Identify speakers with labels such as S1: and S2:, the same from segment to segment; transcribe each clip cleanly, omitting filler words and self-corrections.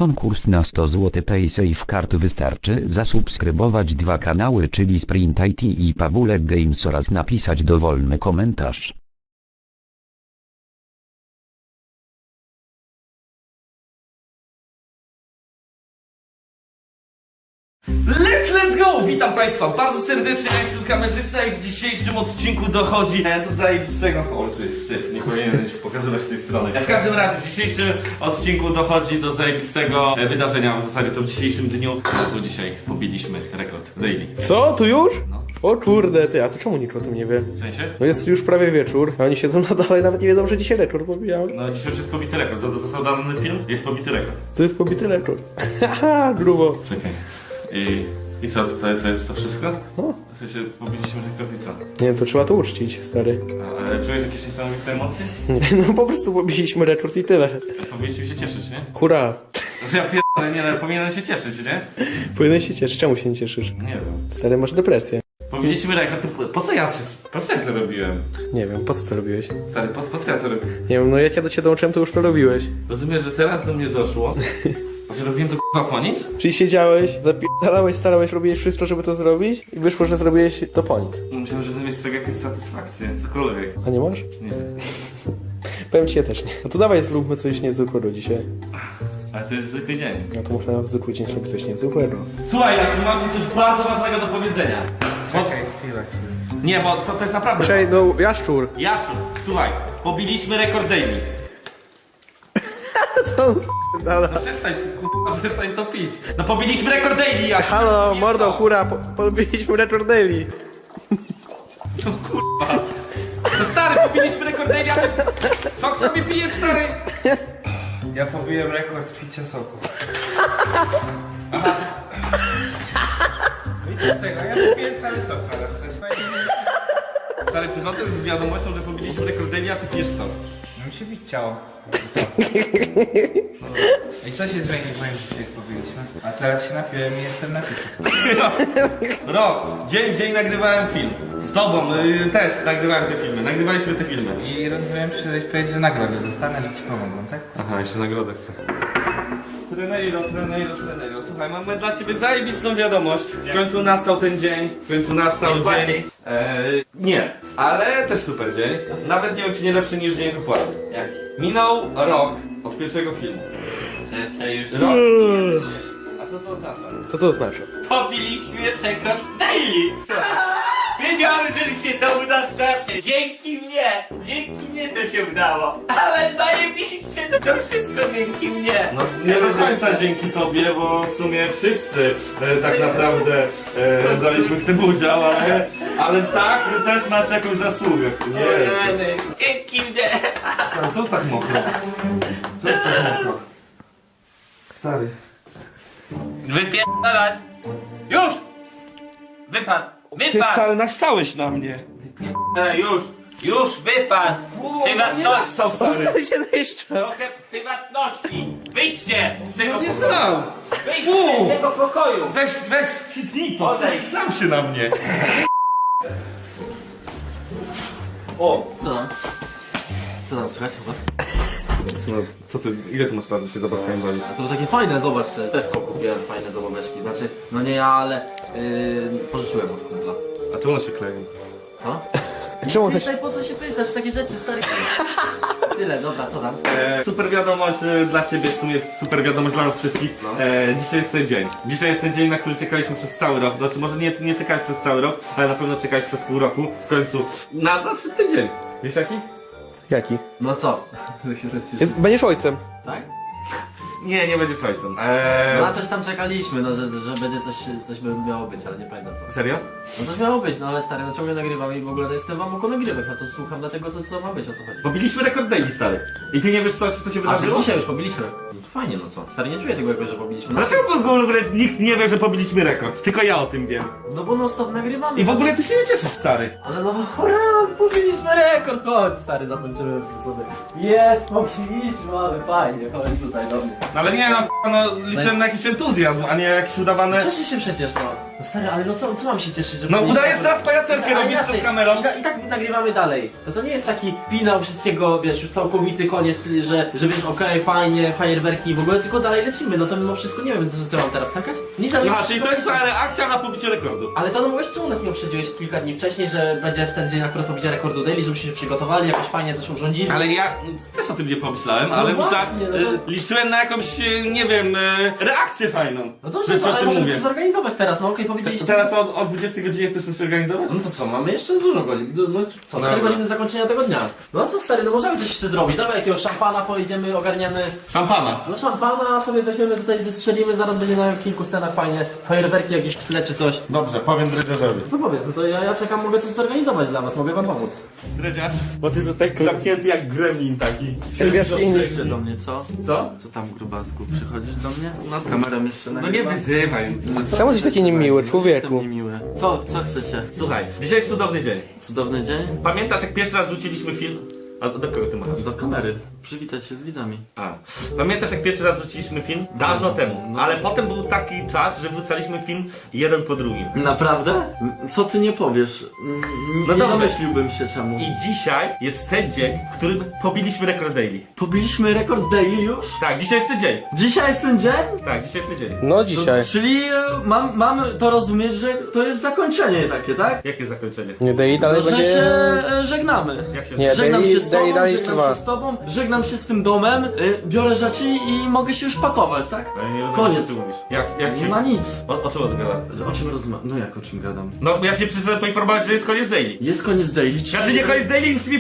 S1: Konkurs na 100 zł PaySafe Card. Wystarczy zasubskrybować 2 kanały, czyli Sprint IT i Pawulek Games, oraz napisać dowolny komentarz.
S2: Let's go! Witam Państwa bardzo serdecznie, ja jestem kamerzysta i w dzisiejszym odcinku dochodzi do zajebistego... O, tu jest syf, nie powinienem już pokazywać tej strony. W każdym razie w dzisiejszym odcinku dochodzi do zajebistego wydarzenia, w zasadzie to w dzisiejszym dniu. No to dzisiaj pobiliśmy rekord daily.
S3: Co? Tu już?
S2: No.
S3: O kurde, ty, a to czemu nikt o tym nie wie?
S2: W sensie?
S3: No jest już prawie wieczór, a oni siedzą na dole, nawet nie wiedzą, że dzisiaj rekord pobijał.
S2: No dzisiaj już jest pobity rekord, został dany film, jest pobity rekord.
S3: To jest pobity rekord. Haha, grubo.
S2: Czekaj. I co, to jest to wszystko?
S3: No.
S2: W sensie pobiliśmy rekord i co?
S3: Nie wiem, to trzeba to uczcić, stary.
S2: Ale czujesz jakieś niesamowite emocje?
S3: No po prostu pobiliśmy rekord i tyle.
S2: Powinniśmy się cieszyć, nie?
S3: Hurra.
S2: Ja pierdolę, nie, ale powinienem się cieszyć, nie?
S3: Powinien się cieszyć, czemu się nie cieszysz?
S2: Nie wiem.
S3: Stary, masz depresję.
S2: Powiedzieliśmy rekord, to po co ja to robiłem?
S3: Nie wiem, po co to robiłeś?
S2: Stary, po co ja to robiłem?
S3: Nie wiem, no jak ja do ciebie dołączyłem, to już to robiłeś.
S2: Rozumiesz, że teraz do mnie doszło, że robiłem to k***a po nic?
S3: Czyli siedziałeś, zapierdalałeś, starałeś, robiłeś wszystko, żeby to zrobić i wyszło, że zrobiłeś to po nic.
S2: Myślałem, że będę mieć z tego jakąś satysfakcję, cokolwiek.
S3: A nie masz?
S2: Nie wiem.
S3: Powiem ci, ja też nie. No to dawaj, zróbmy coś niezwykłego dzisiaj.
S2: Ale to jest zwykły dzień.
S3: No to można w zwykły dzień zrobić coś niezwykłego.
S2: Słuchaj, Jasiu, mam ci coś bardzo ważnego do powiedzenia.
S4: Czekaj, chwilę.
S2: Nie, bo to jest naprawdę...
S3: Czekaj, no jaszczur.
S2: Jaszczur, słuchaj, pobiliśmy rekord daily.
S3: To...
S2: No przestań, przestań to pić. No pobiliśmy rekord daily, Jasiu.
S3: Halo,
S2: Nie,
S3: mordo,
S2: co?
S3: hura, pobiliśmy rekord daily.
S2: No kurwa. No stary, pobiliśmy rekord daily, a ty... Sok sobie pijesz, stary?
S4: Ja pobiłem rekord picia soku. Widzisz tego, ja pobiłem cały sok teraz, to jest fajnie.
S2: Stary, przychodzę z wiadomością, że pobiliśmy rekord daily, a ty pijesz sok.
S4: No mi się bić ciało. I co się zmieni w moim życiu, jak pobiliśmy? A teraz się napiłem i jestem napity.
S2: Rok, dzień w dzień nagrywałem film. Z tobą też nagrywałem te filmy, nagrywaliśmy te filmy.
S4: I rozumiem, przyjść powiedzieć, że nagrodę dostanę, że ci pomogą, tak?
S2: Aha, jeszcze nagrodę chcę. Treneiro. Słuchaj, mamy dla ciebie zajebistą wiadomość. W końcu nastał ten dzień. W końcu nastał dzień. Nie, ale też super dzień. Nawet nie wiem, czy nie lepszy niż dzień wypłaty.
S5: Jak?
S2: Minął rok od pierwszego filmu.
S5: Już
S2: Rok. A co to oznacza?
S3: Co to oznacza?
S5: pobiliśmy rekord daily! Wiedziałem, że mi się to uda starcie. Dzięki mnie to się udało. Ale zajebiście to wszystko dzięki mnie.
S2: No nie do końca dzięki tobie, bo w sumie wszyscy tak naprawdę braliśmy w tym udział, ale tak też masz jakąś zasługę w tym. Nie,
S5: Rany, dzięki mnie.
S2: co tak mokro? Co jest tak mokro? Stary.
S5: Wypierdalać. Już! Wypadł. Wypadł.
S2: Stary, nastałeś na mnie.
S5: Już wypadł. Prywatności.
S2: Stary.
S3: To się zniszczy.
S5: Trochę prywatności. Wyjdźcie z tego
S2: Nie
S5: pokoju.
S2: znam.
S5: Wyjdźcie z tego pokoju.
S2: Weź, przytnij to.
S5: Odejdź.
S2: Znam się na mnie.
S5: O, co tam słychać u was?
S2: Co ty, ile ty masz lat, że się zabawkami bawisz?
S5: A to takie fajne, zobacz, pewko kupiłem, fajne zabaweczki. Znaczy, no nie ja, ale pożyczyłem od kumpla.
S2: A tu one się kleją.
S5: Co?
S3: Czemu one się...
S5: Pytaj, po co się pytasz, takie rzeczy, stary. Tyle, dobra, co tam?
S2: Super wiadomość dla ciebie, w sumie super wiadomość dla nas wszystkich.
S5: No.
S2: Dzisiaj jest ten dzień. Dzisiaj jest ten dzień, na który czekaliśmy przez cały rok. Znaczy może nie czekałeś przez cały rok, ale na pewno czekałeś przez pół roku. W końcu nadszedł ten dzień. Wiesz jaki?
S3: Jaki?
S5: No co? Tak się tak cieszę.
S3: Będziesz ojcem.
S5: Tak?
S2: Nie będziesz ojcem.
S5: No na coś tam czekaliśmy, no że będzie coś by miało być, ale nie pamiętam co.
S2: Serio?
S5: No coś miało być, no ale stary, no ciągle nagrywamy i w ogóle to jestem wam oko nagrywek, no to słucham dlatego co ma być, o co chodzi.
S2: Pobiliśmy rekord daily, stary. I ty nie wiesz co się
S5: A że
S2: wydarzyło?
S5: dzisiaj już pobiliśmy? No to fajnie, no co? Stary, nie czuję tego jakoś, że pobiliśmy. No,
S2: Dlaczego w ogóle nikt nie wie, że pobiliśmy rekord? Tylko ja o tym wiem.
S5: no bo no stop nagrywamy.
S2: I w ogóle ty się nie cieszysz, stary.
S5: Ale no hurra, pobiliśmy rekord, chodź stary, zatańczymy sobie. Jest, pobiliśmy, ale fajnie, chodź tutaj do mnie.
S2: No ale nie no liczyłem na jakiś entuzjazm, a nie jakiś udawany...
S5: Cieszę się przecież, no.
S6: No stary, ale no co mam się cieszyć, że...
S2: No
S6: powinniśmy-
S2: udajesz teraz pajacerkę,
S6: Ale
S2: robisz
S6: inaczej,
S2: przed kamerą.
S6: I tak nagrywamy dalej. To nie jest taki finał wszystkiego, wiesz, już całkowity koniec, że wiesz, okej, fajnie, fajerwerki w ogóle, tylko dalej lecimy. No to mimo wszystko nie wiem, co mam teraz skakać? Nic tam nie
S2: Aha, czyli to jest twoja reakcja na pobicie rekordu.
S6: Ale to no mogłeś, czemu nas nie uprzedziłeś kilka dni wcześniej, że będzie w ten dzień akurat pobicia rekordu daily, żebyśmy się przygotowali, jakoś fajnie coś urządzili.
S2: Ale ja też o tym nie pomyślałem, ale
S6: właśnie,
S2: myślałem,
S6: no to-
S2: liczyłem na jakąś, nie wiem, reakcję fajną.
S6: No dobrze,
S2: Że
S6: to,
S2: co o
S6: ale
S2: tym
S6: możemy
S2: mówię.
S6: się zorganizować teraz, no okej,
S2: To
S6: powiedzieliście.
S2: teraz o 20 godzinie chcesz coś organizować?
S6: No to co, mamy jeszcze dużo godzin, no co, 4
S2: Dobra.
S6: godziny zakończenia tego dnia. No co stary, no możemy coś jeszcze zrobić, dawaj jakiegoś szampana pojedziemy, ogarniemy.
S2: Szampana.
S6: No szampana sobie weźmiemy tutaj, wystrzelimy, zaraz będzie na kilku scenach fajnie, fajerwerki jakieś w tle czy coś.
S2: Dobrze, powiem dredziarzowi.
S6: No powiedz, no to ja czekam, mogę coś zorganizować dla was, mogę wam pomóc.
S2: Dredziarz, bo ty to tak zamknięty jak gremlin taki.
S4: Przyjdźcie do mnie, co?
S2: Co?
S4: Co tam, grubasku? Przychodzisz do mnie? No, kamerą jeszcze
S2: No nie wyzywaj.
S3: Czemu jesteś taki niemiły, człowieku?
S4: Jestem niemiły. Co chcecie?
S2: Słuchaj, dzisiaj jest cudowny dzień.
S4: Cudowny dzień?
S2: Pamiętasz jak pierwszy raz rzuciliśmy film? A do kogo ty masz?
S4: Do kamery. Przywitać się z widzami.
S2: A. Pamiętasz jak pierwszy raz wrzuciliśmy film? Dawno temu. Ale potem był taki czas, że wrzucaliśmy film jeden po drugim.
S4: Naprawdę? Co ty nie powiesz?
S2: No
S4: Nie
S2: dobrze.
S4: domyśliłbym się czemu.
S2: I dzisiaj jest ten dzień, w którym pobiliśmy rekord daily.
S4: Pobiliśmy rekord daily już?
S2: Tak, dzisiaj jest ten dzień.
S4: Dzisiaj jest ten dzień?
S2: Tak, dzisiaj jest ten dzień.
S3: No dzisiaj.
S4: Czyli mamy to rozumieć, że to jest zakończenie takie, tak?
S2: Jakie zakończenie?
S3: Nie daj dalej
S4: No, że
S3: będzie...
S4: się żegnamy.
S2: Jak się
S3: Nie,
S4: Żegnam się z tobą,
S3: dalej
S4: żegnam
S3: trwa.
S4: się z tobą, żegnam się z tym domem, biorę rzeczy i mogę się już pakować, tak?
S2: Ale nie rozumiem,
S4: Koniec.
S2: co ty mówisz. Jak
S4: Nie
S2: się...
S4: ma nic.
S2: O czym on gada?
S4: O czym rozmawiam? No jak o czym gadam?
S2: No, ja się przyszedłem poinformować, że jest koniec daily.
S4: Jest koniec daily.
S2: Znaczy nie koniec daily, już nie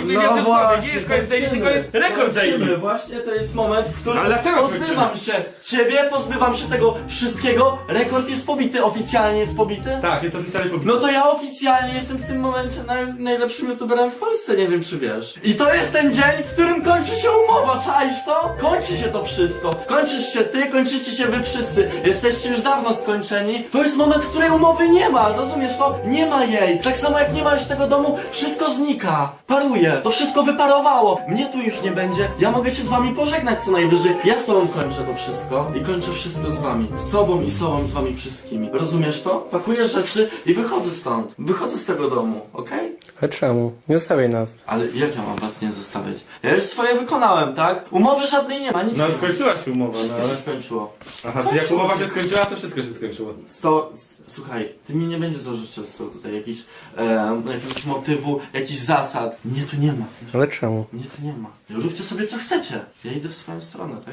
S2: jest koniec daily, tylko jest rekord daily.
S4: Właśnie to jest moment, w którym
S2: Ale dlaczego
S4: pozbywam się ciebie, pozbywam się tego wszystkiego. Rekord jest pobity, oficjalnie jest pobity.
S2: Tak, jest oficjalnie pobity.
S4: No to ja oficjalnie jestem w tym momencie najlepszym youtuberem w Polsce, nie wiem czy wiesz. I to jest ten dzień, w którym kończy się umowa, czaisz to? Kończy się to wszystko. Kończysz się ty, kończycie się wy wszyscy. Jesteście już dawno skończeni. To jest moment, w której umowy nie ma, rozumiesz to? Nie ma jej. Tak samo jak nie ma już tego domu, wszystko znika. Paruje. To wszystko wyparowało. Mnie tu już nie będzie. Ja mogę się z wami pożegnać co najwyżej. Ja z tobą kończę to wszystko i kończę wszystko z wami. Z tobą i z tobą, z wami wszystkimi. Rozumiesz to? Pakuję rzeczy i wychodzę stąd. Wychodzę z tego domu, okej?
S3: Ale czemu? Nie zostawiaj nas.
S4: Ale jak ja mam was nie zostawiać? Ja już swoje wykonałem, tak? Umowy żadnej nie ma, nic
S2: No
S4: nie ma.
S2: skończyła się umowa, no
S4: Wszystko się
S2: ale...
S4: skończyło.
S2: Aha, czyli jak umowa się skończyła, to wszystko się skończyło.
S4: Słuchaj, ty mi nie będziesz zarzucał tutaj jakiegoś motywu, jakichś zasad. Mnie tu nie ma.
S3: Ale czemu?
S4: Mnie tu nie ma. Róbcie sobie co chcecie. Ja idę w swoją stronę, tak?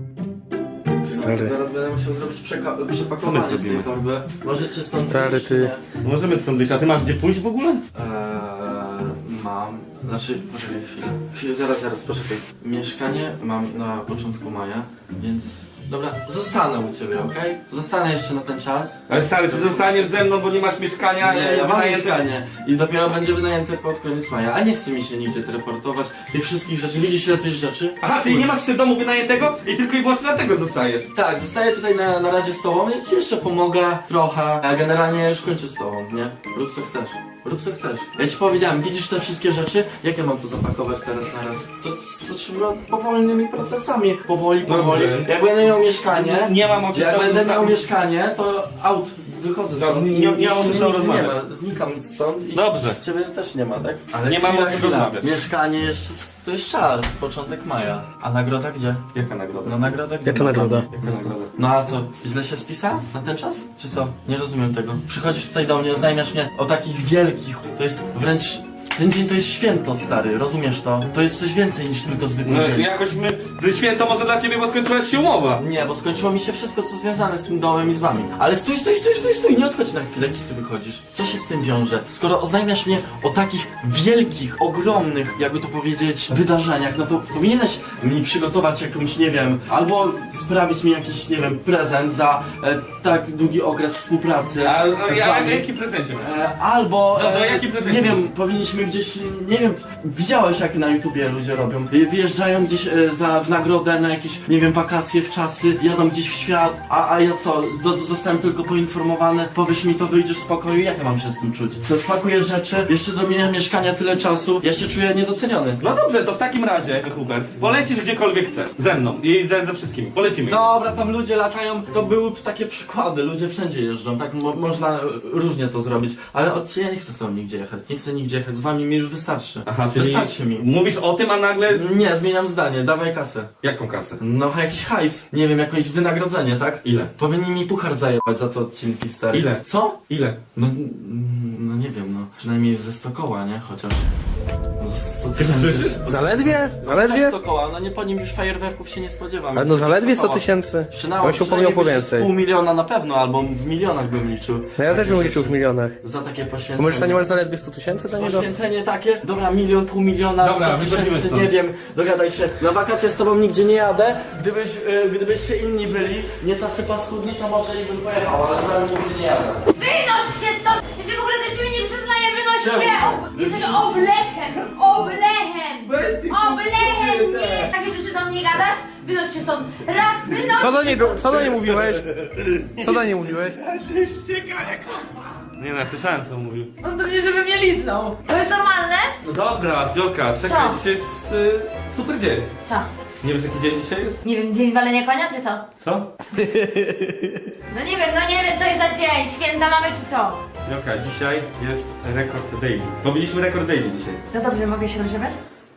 S3: Stary.
S4: Zaraz będę musiał zrobić przepakowanie z tej
S2: zrobimy?
S4: torby. Możecie stąd
S3: Stary,
S4: wyjść,
S3: ty.
S4: nie?
S2: Możemy stąd wyjść, a ty masz gdzie pójść w ogóle?
S4: Mam. Znaczy, poczekaj chwilę. Zaraz, poczekaj. Mieszkanie mam na początku maja, więc... Dobra, zostanę u ciebie, okej? Zostanę jeszcze na ten czas.
S2: Ale stary, ty zostaniesz ze mną, bo nie masz mieszkania.
S4: Nie, ja mam
S2: wynajęte-
S4: mieszkanie i dopiero będzie wynajęte pod koniec maja, a nie chce mi się nigdzie teleportować tych wszystkich rzeczy. Widzisz ile tych rzeczy?
S2: Aha, czyli nie masz jeszcze domu wynajętego i tylko i wyłącznie dlatego zostajesz.
S4: Tak, zostaję tutaj na razie z tobą, więc ci jeszcze pomogę trochę. A generalnie już kończę z tobą, nie? Rób co chcesz. Rób co chcesz. Ja ci powiedziałem, widzisz te wszystkie rzeczy? Jak ja mam to zapakować teraz na raz? To trzeba powolnymi procesami. Powoli.
S2: Dobrze.
S4: Jak będę miał mieszkanie,
S2: Nie mam o czym
S4: jak
S2: z tobą
S4: będę miał
S2: rozmawiać.
S4: mieszkanie, to wychodzę
S2: Dobra,
S4: stąd.
S2: nie mam o czym z tobą rozmawiać.
S4: ma, znikam stąd i
S2: Dobrze.
S4: ciebie też nie ma, tak? Ale
S2: Nie mam o czym rozmawiać.
S4: Mieszkanie jeszcze, to jest czas, początek maja. A nagroda gdzie?
S2: Jaka nagroda?
S4: No nagroda gdzie?
S3: Jaka nagroda?
S2: Jaka nagroda?
S4: No a co, źle się spisałem na ten czas? Czy co? Nie rozumiem tego. Przychodzisz tutaj do mnie, oznajmiasz mnie o takich wielkich, to jest wręcz... Ten dzień to jest święto, stary, rozumiesz to? To jest coś więcej niż tylko zwykły
S2: No
S4: dzień.
S2: jakoś święto może dla ciebie, bo skończyła się umowa.
S4: Nie, bo skończyło mi się wszystko, co związane z tym domem i z wami. Ale stój, nie odchodź na chwilę, gdzie ty wychodzisz? Co się z tym wiąże? Skoro oznajmiasz mnie o takich wielkich, ogromnych, jakby to powiedzieć, wydarzeniach, no to powinieneś mi przygotować jakąś, nie wiem, albo sprawić mi jakiś, nie wiem, prezent za tak długi okres współpracy z wami.
S2: Jaki prezencie masz?
S4: Albo,
S2: Dobrze, jaki prezent
S4: nie
S2: chcesz?
S4: wiem, powinniśmy gdzieś, nie wiem, widziałeś jak na YouTubie ludzie robią. Wyjeżdżają gdzieś w nagrodę na jakieś, nie wiem, wakacje w czasy, jadą gdzieś w świat, a ja co, zostałem tylko poinformowany, powiesz mi to, wyjdziesz z pokoju, jak ja mam się z tym czuć? Co, spakuję rzeczy, jeszcze do mnie mieszkania tyle czasu, ja się czuję niedoceniony.
S2: No dobrze, to w takim razie, Hubert, polecisz gdziekolwiek chcesz. Ze mną i ze wszystkimi. Polecimy.
S4: Dobra, tam ludzie latają, to były takie wkłady, ludzie wszędzie jeżdżą, tak można różnie to zrobić, ale ja nie chcę z tobą nigdzie jechać, nie chcę nigdzie jechać, z wami mi już wystarczy.
S2: Aha, czyli
S4: Wystarczy mi.
S2: mówisz o tym, a nagle...
S4: Nie, zmieniam zdanie, dawaj kasę.
S2: Jaką kasę?
S4: No jakiś hajs, nie wiem, jakieś wynagrodzenie, tak?
S2: Ile?
S4: Powinni mi puchar zajebać za te odcinki, stary.
S2: Ile?
S4: Co?
S2: Ile?
S4: No nie wiem, no. Przynajmniej ze 100 koła, nie? Chociaż. No, 100
S2: Ty
S4: tysięcy.
S2: słyszysz?
S3: Zaledwie?
S4: Chociaż
S3: Zaledwie?
S4: 100 koła, no nie po nim już fajerwerków się nie spodziewam.
S3: Ale no zaledwie 100
S4: koła.
S3: tysięcy.
S4: Przynajmniej
S3: Bym się upomniał po więcej.
S4: Pół miliona na pewno, albo w milionach bym liczył.
S3: No ja też
S4: Takie
S3: bym liczył w
S4: rzeczy.
S3: milionach.
S4: Za takie
S3: To
S4: poświęcenie.
S3: możesz nie masz zaledwie 100 tysięcy dla niego?
S4: Poświęcenie takie, dobra, milion, pół miliona,
S2: Dobra,
S4: 100
S2: wychodzimy
S4: tysięcy,
S2: stąd.
S4: nie wiem, dogadaj się. Na wakacje z tobą nigdzie nie jadę, gdybyście inni byli, nie tacy paskudni, to może i bym pojechał, ale z wami nigdzie nie jadę.
S7: Wynoś się stąd! Ja się w ogóle do ciebie nie przyznaję, wynoś się! Jesteś oblechem! Oblechem! Oblechem! Nie! Takie rzeczy do mnie gadasz? Wynoś się stąd! Raz, wynoś
S3: Co do niej mówiłeś? Co do niej mówiłeś?
S2: Nie no, słyszałem co mówił.
S7: On do mnie, żeby mnie liznął. To jest normalne?
S2: No dobra, Wiolka, czekaj,
S7: Co?
S2: dzisiaj jest super dzień.
S7: Co?
S2: Nie wiesz jaki dzień dzisiaj jest?
S7: Nie wiem, dzień walenia konia, czy co?
S2: Co?
S7: No nie wiem, co jest za dzień. Święta mamy, czy co?
S2: Wiolka, dzisiaj jest rekord daily. Pobiliśmy rekord daily dzisiaj.
S7: No dobrze, mogę się rozjebać?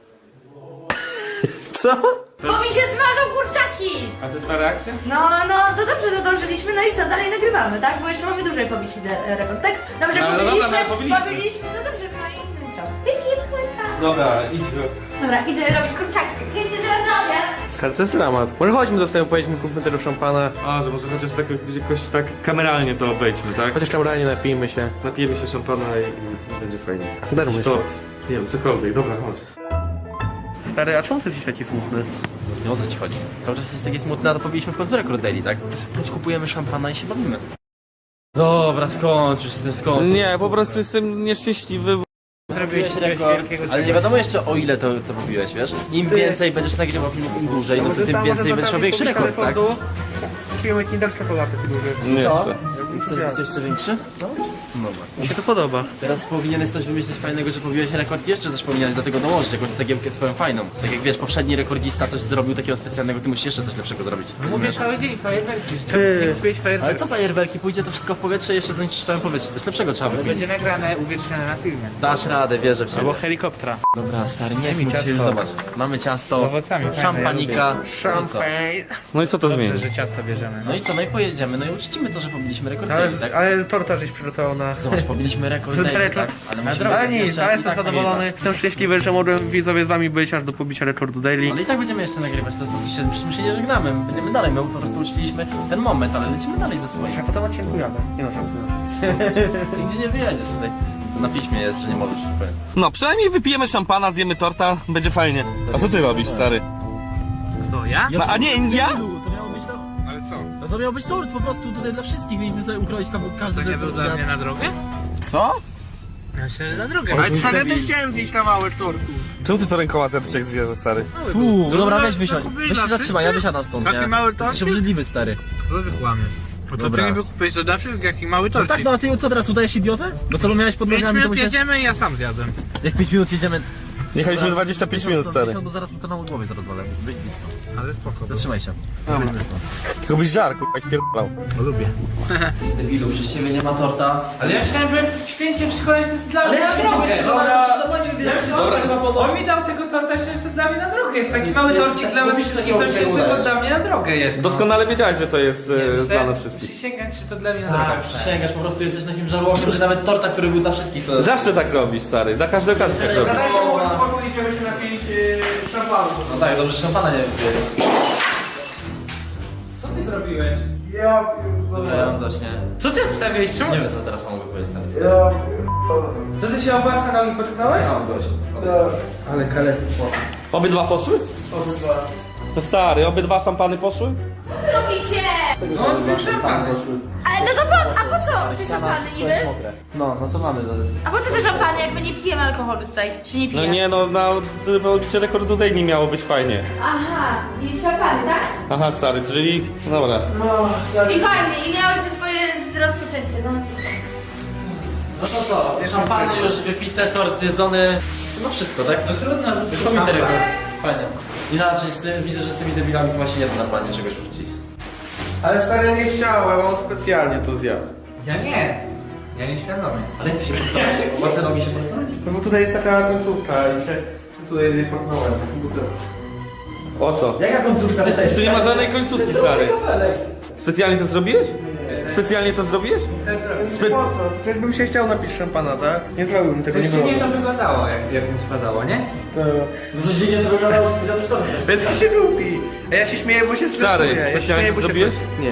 S3: Co?
S7: Bo mi się smażą kurczaki!
S2: A to jest ta reakcja?
S7: No, to dobrze, dodążyliśmy, no i co, dalej nagrywamy, tak? Bo jeszcze mamy dłużej pobić rekord, tak? Dobrze,
S2: No, ale
S7: pobiliśmy,
S2: dobra, no, pobiliśmy.
S7: no dobrze, no i co? Jaki kurczak?
S2: Dobra, idź go.
S7: Dobra, idę robić kurczaki. Kręcę teraz robię.
S3: Stary, to jest dramat. Może chodźmy do sklepu, pojedźmy, kupmy tego szampana.
S2: A, że może chociaż tak jakoś tak kameralnie to obejdźmy, tak?
S3: Chociaż tam realnie napijmy się.
S2: Napijemy się szampana i będzie fajnie.
S3: Darujmy
S2: To,
S3: się.
S2: nie wiem, cokolwiek, dobra, chodź.
S3: Stary, a czemu ty jesteś taki smutny?
S6: Nie o co ci chodzi? Cały czas jesteś taki smutny, a to powiedzieliśmy w końcu rekord daily, tak? Choć kupujemy szampana i się bawimy. Dobra, skończ już z tym, skończ.
S2: Nie, po prostu jestem nieszczęśliwy.
S6: Zrobiłeś rekord, ale nie wiadomo jeszcze o ile to robiłeś, wiesz? Im więcej będziesz nagrywał filmów, im dłużej, no to tym więcej będziesz miał większy rekord, tak?
S3: Kupimy Kinder czekoladę ty
S2: Nie
S6: Co?
S2: chcę.
S6: Chcesz być jeszcze większy? No. Dobra.
S3: Mi się to podoba.
S6: Teraz powinieneś coś wymyślić fajnego, że pobiłeś rekord, jeszcze coś powinieneś do tego dołożyć, jakąś cegiełkę swoją fajną. Tak jak wiesz, poprzedni rekordzista coś zrobił takiego specjalnego, ty musisz jeszcze coś lepszego zrobić. Rozumiesz?
S8: Cały dzień fajerwerki.
S3: Ty.
S8: Kupiłeś
S6: Ale
S8: fajerwerki.
S6: co fajerwerki, pójdzie to wszystko w powietrze i jeszcze zanieczyszczałem powietrze, coś lepszego trzeba
S8: Będzie
S6: wypić.
S8: nagrane, uwiecznione na filmie.
S6: Dasz radę, wierzę w siebie.
S8: Albo helikoptera.
S6: Dobra, stary, nie
S8: mi
S6: smuć się,
S8: ciasto.
S6: już zobacz. Mamy ciasto,
S8: Z owocami, fajne,
S6: szampanika,
S8: ja
S6: no i co?
S2: No i co to
S8: Dobrze,
S2: zmieni?
S8: że ciasto bierzemy.
S6: No i co, no i pojedziemy, no i uczcimy to, że pobiliśmy rekord
S3: Ale,
S6: daily, tak?
S3: ale torta żeś przygotował na...
S6: Zobacz, pobiliśmy rekord daily, tak? Ale musimy
S3: Ale nic,
S6: jeszcze
S3: ja
S6: i
S3: jestem
S6: tak
S3: zadowolony.
S6: nagrywać.
S3: Jestem szczęśliwy, że mogłem widzowie z wami być aż do pobicia rekordu daily.
S6: Ale i tak będziemy jeszcze nagrywać to, co dzisiaj, przecież my się nie żegnamy, będziemy dalej, my po prostu uczciliśmy ten moment, ale lecimy dalej ze swoim.
S3: A potem odcinku jadę. Nie no,
S6: Nigdzie nie wyjedziesz tutaj. Na piśmie jest, że nie możesz, powiem.
S2: No, przynajmniej wypijemy szampana, zjemy torta, będzie fajnie. A co ty robisz, stary?
S8: To ja?
S2: No, a nie, ja?
S6: To miało być to...
S8: Ale co?
S6: No to miał być tort po prostu tutaj dla wszystkich, mieliśmy sobie ukroić każdy,
S8: To nie
S6: żeby
S8: był dla mnie na drogę?
S2: Co?
S8: Ja myślę, że na drogę. Ale stary, ja też chciałem zjeść kawałek tortu.
S2: Czemu ty to rękoma zjadłeś jak zwierzę, stary?
S6: Fuu, dobra,
S8: no,
S6: weź wysiądź.
S8: to
S6: Weź się zatrzymaj, ja wysiadam stąd,
S8: Taki
S6: nie?
S8: mały
S6: Jesteś
S8: torcik?
S6: obrzydliwy, stary.
S8: To wykłamie. Bo to
S6: Dobra.
S8: ty mi wykupiłeś to dla wszystkich, jaki mały
S6: No
S8: torcik.
S6: tak, no a ty co teraz udajesz idiotę? No co, bo miałeś pod
S8: 5
S6: nogami, to
S8: minut
S6: musiałeś...
S8: jedziemy i ja sam zjadłem.
S6: Jak 5 minut jedziemy...
S2: Jechaliśmy 25 minut, stary.
S6: Bo zaraz mu to na głowie zarozwalę. Wyjdź blisko.
S8: Ale spoko.
S6: Zatrzymaj się.
S2: Tylko byś żar, kurwa, jak wpierdalał.
S8: Bo lubię.
S6: Debilu, przez ciebie nie ma torta.
S8: Ale ja chciałem, by święcie przychodzić, to jest dla mnie na drogę. On mi dał tego torta, myślę, że to dla mnie na drogę jest. Taki mały torcik dla was wszystkich, to myślę, że to dla mnie na drogę jest.
S2: Doskonale wiedziałeś, że to jest dla nas wszystkich.
S8: Przysięgać, że to dla mnie na drogę.
S6: Tak, przysięgasz, po prostu jesteś takim żarłokiem, że nawet torta, który był dla wszystkich, to...
S2: Zawsze tak robisz, stary, za każdą okazję tak robisz.
S3: Idziemy się napić szampanu.
S6: No tak, dobrze, szampana nie wypiję.
S8: Co ty zrobiłeś?
S6: Dobra, ja mam dość, nie?
S8: Co ty odstawiłeś? Czemu?
S6: Nie wiem, co teraz mogę powiedzieć teraz.
S8: Co ty się o własne nogi potknąłeś?
S6: Ja mam dość.
S8: Ale kaletnictwo.
S2: Obydwa poszły? To stary, obydwa szampany poszły?
S7: Co wy robicie?
S8: No, on był szampany.
S7: Ale no to a po co te szampany niby?
S6: No to mamy.
S7: A po co te szampany, jak my nie pijemy alkoholu tutaj? Się nie pije?
S2: No nie, no na pobicie rekordu daily miało być fajnie.
S7: Aha, i szampany, tak?
S2: Aha, stary, czyli... Dobra.
S7: I fajnie, i miałeś te swoje rozpoczęcie, no.
S6: No to co? Szampany już wypite, tort zjedzony. No wszystko, tak?
S8: No trudno,
S6: Już pobity rekord. Fajnie. Inaczej, widzę, że z tymi debilami chyba się nie da normalnie czegoś uczcić.
S3: Ale stary nie chciałem, on specjalnie to zjadł.
S8: Ja nie. Ja nieświadomie.
S6: Ale jak ty się podpalasz? Własne nogi się podpalasz?
S3: No bo tutaj jest taka końcówka i się tutaj portnąłem.
S2: O co?
S6: Jaka końcówka tutaj?
S2: Tu nie ma żadnej końcówki, stary. Specjalnie to zrobiłeś? Specjalnie to zrobiłeś?
S8: Tak zrobię.
S3: Po co? Jakbym się chciał napić szampana, tak? Nie zrobiłbym tego, nie
S8: Coś dziwnie
S3: było.
S8: to wyglądało, jak mi spadało, nie?
S6: No coś dziwnie to wyglądało, że ty zjadłeś to.
S3: Więc się lubi. A ja się śmieję, bo się
S2: Stary,
S3: stresuję. Ja się
S2: specjalnie
S3: śmieję,
S2: to
S3: bo się-
S2: zrobiłeś?
S3: Nie.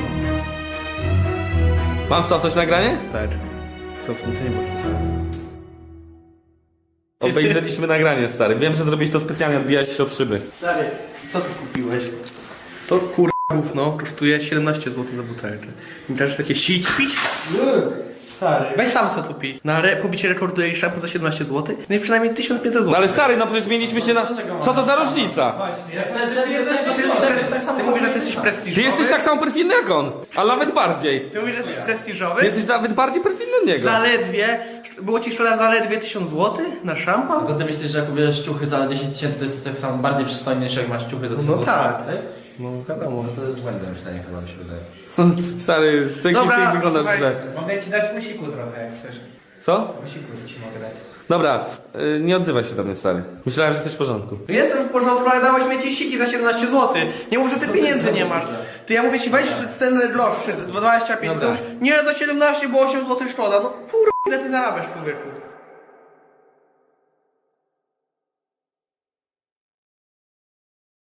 S2: Mam cofnąć nagranie?
S3: Tak. Cofnij, to nie było specjalnie.
S2: Obejrzeliśmy nagranie, stary. Wiem, że zrobiłeś to specjalnie, odbijałeś się od szyby.
S3: Stary, co ty kupiłeś? To kurwa gówno kosztuje 17 zł za butelkę. Mi też takie sić pić? Stary. Weź sam co tu pij. Na pobicie rekordu jej szampon za 17 zł? No i przynajmniej 1500 zł.
S2: No ale stary, no przecież mieliśmy się na... Co to za różnica?
S8: Właśnie, ja
S3: Ty mówisz, że ty jesteś prestiżowy?
S2: Ty jesteś tak samo perfidny jak on, a nawet bardziej.
S3: Ty mówisz, że jesteś
S2: Ty
S3: prestiżowy?
S2: jesteś nawet bardziej perfidny od niego.
S3: Zaledwie, było ci szkoda zaledwie 1000 zł na szampan?
S6: To ty myślisz, że jak kupujesz ciuchy za 10 000, to jest tak samo bardziej przystojny niż jak masz ciuchy za 1000
S3: No tak.
S6: No
S3: Wiadomo.
S6: to jest błędne myślenie chyba mi się wydaje.
S2: Stary, w tej
S3: Dobra,
S2: chwili wyglądasz
S3: słuchaj.
S2: źle.
S8: mogę ci dać musiku trochę, jak chcesz.
S2: Co?
S8: Musiku ci mogę dać.
S2: Dobra, nie odzywaj się do mnie, stary. Myślałem, że jesteś w porządku.
S3: Jestem w porządku, ale dałeś mi jakieś siki za 17 zł. Nie mów, że ty pieniędzy nie masz. Ty ja mówię ci, weź ten droższy, za 25
S2: Dobra.
S3: to już, nie, za 17, bo 8 zł szkoda. No kurwa, ile ty zarabiasz, człowieku?